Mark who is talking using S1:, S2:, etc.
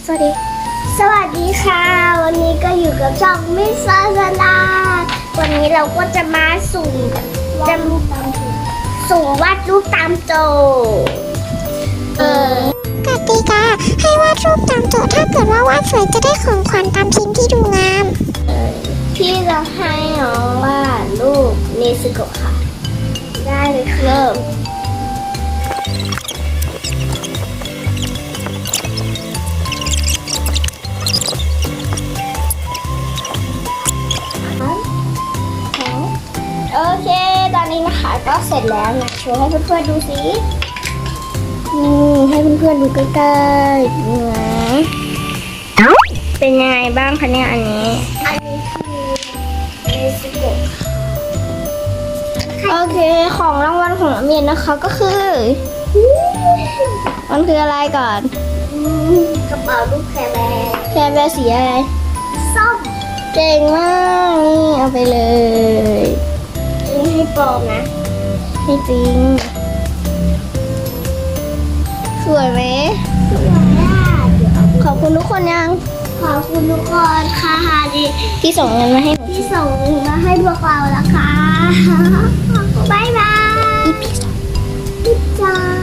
S1: สวัสดี สวัสดีค่ะ วันนี้ก็อยู่กับช่องมิสซาซาดาวันนี้เราก็จะมาสุ่มวาดรูปตามโจ
S2: กติกาให้วาดรูปตามโจทย์ถ้าเกิดว่าวาดสวยจะได้ของขวัญตามชิ้นที่ดูงาม
S1: พี่จะให้น้องวาดรูปเนซึโกะค่ะ ได้เลยเริ่มโอเค ตอนนี้นะคะก็เสร็จแล้วนะโชว์ให้เพื่อนๆดูสิให้เพื่อนๆดูใกล้ๆดูนะเป็นยังไงบ้างคะเนี่ยอันนี้คือเนซึโกะโอเคของรางวัลของน้ำเย็นนะคะก็คือมันคืออะไรก่อนกระเป๋าลูกแคร์แบร์สีอะไรส้มเก่งมากนี่เอาไปเลยนี่ให้ปลอมนะให้จริงสวยไหมสวยอ่ะขอบคุณทุกคนยังขอบคุณทุกคนค่ะที่ส่งเงินมาให้หนูที่ส่งเงินมาให้พวกเราแล้วค่ะบ๊ายบายพี่จ๋า